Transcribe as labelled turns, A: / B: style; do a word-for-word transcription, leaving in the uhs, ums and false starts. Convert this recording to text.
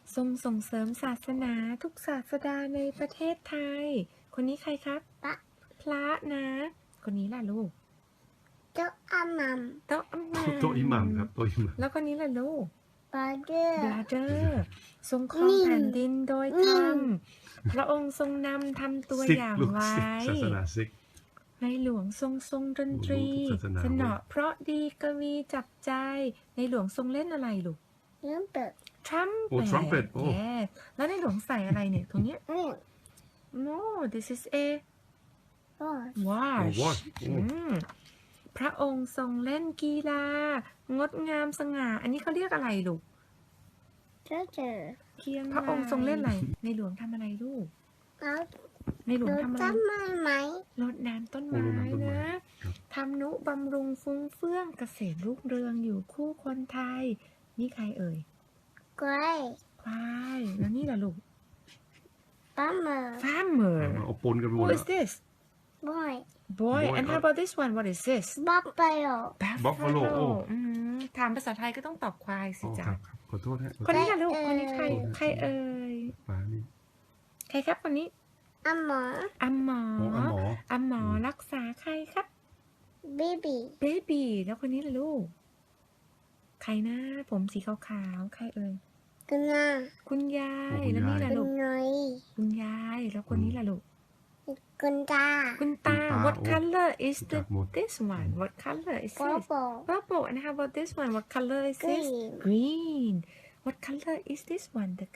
A: ทรงส่งเสริมศาสนาทุกศาสดาในประเทศไทย คนนี้ใครครับ
B: พระ
A: พระนะ คนนี้ล่ะลูก
B: เจ้าอามัม
A: โต๊ะอิหมัม
C: โต๊ะอิหมัมครับโต๊ะอิหมัม
A: แล้วคนนี้ล่ะลูก
B: บาเดอร์
A: บราเดอร์ทรงครองแผ่นดินโดยธรรม พระองค์ทรงนำทำตัว
C: ซิก
A: อย่าง
C: ลูก
A: ไว้
C: ซิกศาสนาซิก
A: ในหลวงทรงทรงดนตรี
C: โอ้รู้ทุกศาสนา
A: สนอเพราะดีกวีจับใจ ในหลวงทรงเล่นอะไรลูก
B: เริ่มเปิด
A: ทรัม
C: โอ้ trumpet โอ้
A: yes แล้วในหลวงใส่อะไรเนี่ยตรงเนี้ย
B: นี่
A: no this is a
B: บอส
A: watch
C: โอ้ watch โอ้
A: อืมพระองค์ทรงเล่นกีฬางดงามสง่า อันนี้เขาเรียกอะไรลูก
B: เจ้าเจอ
A: เคียงพระองค์ทรงเล่นอะไร ในหลวงทำอะไรลูก
B: แล้ว
A: ในหลวง
B: ดู
A: ทำอะไร
B: จำไม่ไหม
A: รดน้ำต้น
C: โอ้
A: ไม้
C: รดน้ำต้นไม้
A: นะครับ ทำนุบำรุงฟุ้งเฟื่องเกษตรรุ่งเรืองอยู่คู่คนไทย นี่ใครเอ่ย
B: กรย
A: ควายแล้วนี่ล่ะลูก
B: ปั๊มเมอร์
A: farmer
C: เอาเอาปนกันไปหม
A: who
C: ด
A: is this
B: บอย
A: boy
C: Boy
A: and how
C: ครับ
A: about this one what is this
B: บัฟเฟโล
C: Buffalo โอ้
A: อืมถามภาษาไทยก็ต้องตอบควายสิ
C: อ๋อ
A: จ๊ะ
C: ครับครับขอโทษฮะ
A: คนนี้ล่ะลูก
B: ใคร
A: คนนี้ใคร
B: เอ่ย
A: ใครเอ่ย
C: ฟ้านี่
A: ใครครับคนนี้
B: อาหมอ
A: อัมหมอ
C: โอ้อาหมอ
A: อัมหมอ
C: อืม
A: รักษาใครครับ
B: บีบี
A: เบบีแล้วคนนี้ล่ะลูก ใครนะผมสีขาวๆใครเอ่ย
B: กุนา
A: คุณยาย
C: โอ้คุณ
A: แล้วนี่
C: ยาย
A: ล่ะ
B: กุ
A: ลูก
B: นอย
A: คุณยายแล้วคนนี้ล่ะลูก
B: กุนตา
A: คุณตา
C: คุณตา
A: what
C: โอ้
A: color is
C: รู้
A: the
C: จักหมด
A: this one what color is
B: โป
A: this
B: โป
A: purple and how about this one what color is this
B: Green.
A: green what color is this one the